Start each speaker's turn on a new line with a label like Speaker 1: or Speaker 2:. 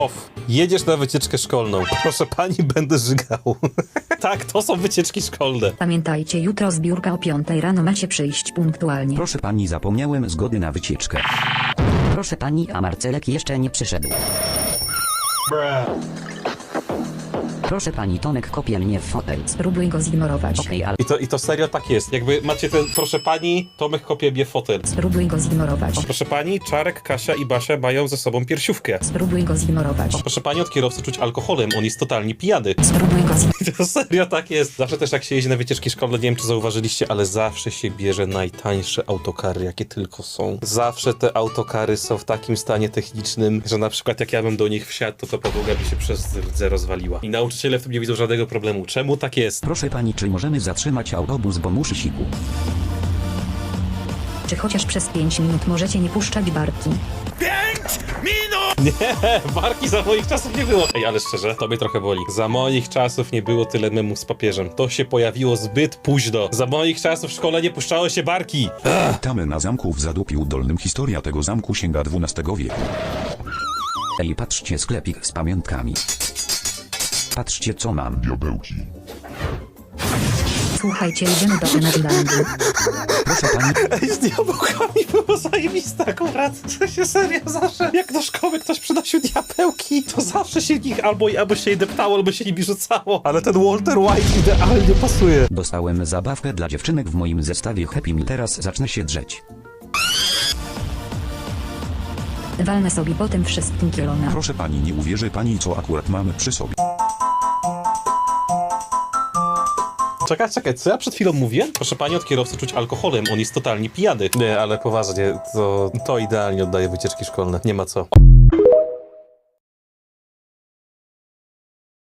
Speaker 1: Off. Jedziesz na wycieczkę szkolną. Proszę pani, będę żygał. Tak, to są wycieczki szkolne.
Speaker 2: Pamiętajcie, jutro zbiórka o 5 rano, macie przyjść punktualnie.
Speaker 3: Proszę pani, zapomniałem zgody na wycieczkę.
Speaker 4: Proszę pani, a Marcelek jeszcze nie przyszedł. Proszę pani, Tomek kopie mnie w fotel.
Speaker 2: Spróbuj go zignorować.
Speaker 4: Okej, ale
Speaker 1: I to serio tak jest. Jakby macie ten, proszę pani, Tomek kopie mnie w fotel.
Speaker 2: Spróbuj go zignorować.
Speaker 1: Proszę pani, Czarek, Kasia i Basia mają ze sobą piersiówkę.
Speaker 2: Spróbuj go zignorować.
Speaker 1: Proszę pani, od kierowcy czuć alkoholem, on jest totalnie pijany.
Speaker 2: Spróbuj go zignorować.
Speaker 1: To serio tak jest. Zawsze też jak się jeździ na wycieczki szkolne, nie wiem czy zauważyliście, ale zawsze się bierze najtańsze autokary, jakie tylko są. Zawsze te autokary są w takim stanie technicznym, że na przykład jak ja bym do nich wsiadł, to podłoga by się przez rdze rozwaliła. I nauczyciele w tym nie widzą żadnego problemu. Czemu tak jest?
Speaker 3: Proszę pani, czy możemy zatrzymać autobus, bo muszę siku?
Speaker 2: Czy chociaż przez 5 minut możecie nie puszczać barki?
Speaker 1: Nie, barki za moich czasów nie było. Ej, ale szczerze, to mnie trochę boli. Za moich czasów nie było tyle memów z papieżem. To się pojawiło zbyt późno. Za moich czasów w szkole nie puszczało się barki.
Speaker 5: Witamy na zamku w Zadupiu Dolnym. Historia tego zamku sięga XII wieku.
Speaker 3: Ej, patrzcie, sklepik z pamiątkami. Patrzcie, co mam.
Speaker 5: Diabełki.
Speaker 2: Słuchajcie, idziemy do Enerlandu.
Speaker 3: Proszę pani,
Speaker 1: Ej, z diabełkami było zajebiste akurat. To się serio zawsze, jak do szkoły ktoś przynosił diabełki, to zawsze się nich albo się je deptało, albo się nimi rzucało. Ale ten Walter White idealnie pasuje.
Speaker 3: dostałem zabawkę dla dziewczynek w moim zestawie Happy Meal. Teraz zacznę się drzeć.
Speaker 2: Walnę sobie po tym wszystkim kielona.
Speaker 5: Proszę pani, nie uwierzy pani, co akurat mamy przy sobie.
Speaker 1: Czekaj, co ja przed chwilą mówiłem? Proszę pani, od kierowcy czuć alkoholem, on jest totalnie pijany. Nie, ale poważnie, to idealnie oddaje wycieczki szkolne, nie ma co.